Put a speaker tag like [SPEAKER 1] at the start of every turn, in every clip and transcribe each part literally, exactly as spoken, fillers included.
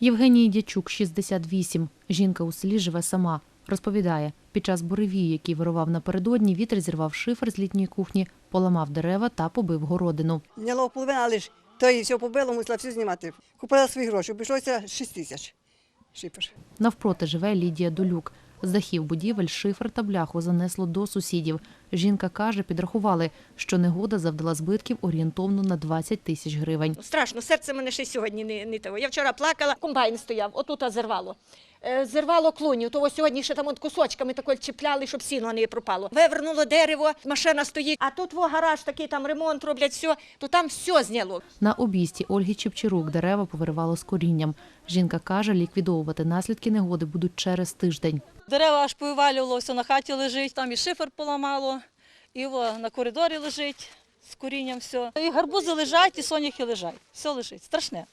[SPEAKER 1] Євгенії Дячук, шістдесят вісім. Жінка у селі живе сама. Розповідає, під час буревію, який вирував напередодні, вітер зірвав шифер з літньої кухні, поламав дерева та побив городину.
[SPEAKER 2] Зняло половину, але ж то і все побило, мусила все знімати. Купила свої гроші, обійшлося шість тисяч шифер.
[SPEAKER 1] Навпроти живе Лідія Долюк. З дахів будівель шифер та бляху занесло до сусідів. Жінка каже, підрахували, що негода завдала збитків орієнтовно на двадцять тисяч гривень.
[SPEAKER 3] Страшно, серце мене ще й сьогодні не, не того. Я вчора плакала, комбайн стояв, отут зірвало. Е, Зірвало клуню, того сьогодні ще там от кусочками такої чіпляли, щоб сіно не пропало. Вивернуло дерево, машина стоїть, а тут во гараж такий, там ремонт роблять, все, то там все зняло.
[SPEAKER 1] На обійсті Ольги Чепчирук дерева повиривало з корінням. Жінка каже, ліквідовувати наслідки негоди будуть через тиждень.
[SPEAKER 4] Дерева аж повивалювало, все на хаті лежить, там і шифер поламало, і во, на коридорі лежить з корінням все. І гарбузи лежать, і соняхи лежать, все лежить, страшне.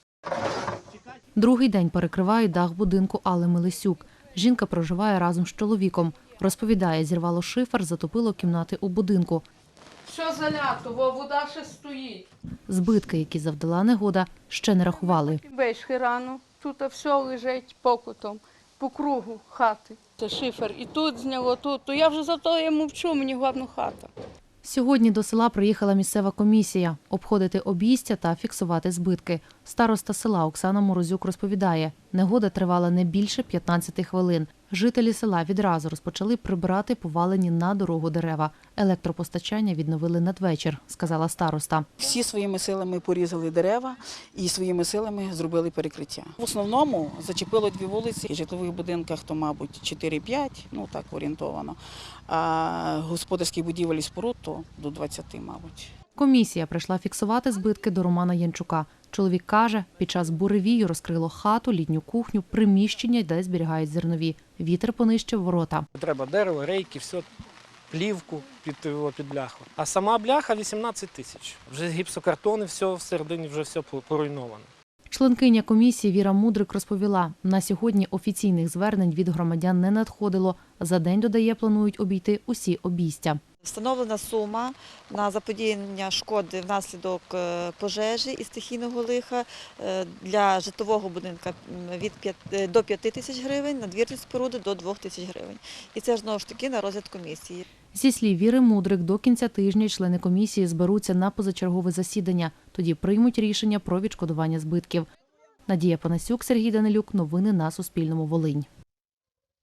[SPEAKER 1] Другий день перекривають дах будинку Алли Мелисюк. Жінка проживає разом з чоловіком. Розповідає, зірвало шифер, затопило кімнати у будинку.
[SPEAKER 5] Все залято, бо вода ще стоїть.
[SPEAKER 1] Збитки, які завдала негода, ще не рахували.
[SPEAKER 5] Вийшли рано, тут все лежить покутом, по кругу хати. Це шифер і тут зняло, тут. То я вже за то я мовчу, мені головне хата.
[SPEAKER 1] Сьогодні до села приїхала місцева комісія – обходити обійстя та фіксувати збитки. Староста села Оксана Морозюк розповідає, негода тривала не більше п'ятнадцяти хвилин. Жителі села відразу розпочали прибирати повалені на дорогу дерева. Електропостачання відновили надвечір, сказала староста.
[SPEAKER 6] Всі своїми силами порізали дерева і своїми силами зробили перекриття. В основному зачепило дві вулиці. В житлових будинках то, мабуть, чотири-п'ять, ну так орієнтовано, а господарських будівель і споруд то до двадцяти, мабуть.
[SPEAKER 1] Комісія прийшла фіксувати збитки до Романа Янчука. Чоловік каже, під час буревію розкрило хату, літню кухню, приміщення, де зберігають зернові. Вітер понищив ворота.
[SPEAKER 7] Треба дерево, рейки, все, плівку під, під бляху. А сама бляха вісімнадцять тисяч. Вже гіпсокартони, все всередині вже все поруйновано.
[SPEAKER 1] Членкиня комісії Віра Мудрик розповіла, на сьогодні офіційних звернень від громадян не надходило. За день, додає, планують обійти усі обійстя.
[SPEAKER 8] Встановлена сума на заподіяння шкоди внаслідок пожежі і стихійного лиха для житлового будинку від до п'яти тисяч гривень, надвірні споруди до двох тисяч гривень. І це ж знову ж таки на розгляд комісії.
[SPEAKER 1] Зі слів Віри Мудрик, до кінця тижня члени комісії зберуться на позачергове засідання. Тоді приймуть рішення про відшкодування збитків. Надія Панасюк, Сергій Данилюк. Новини на Суспільному. Волинь.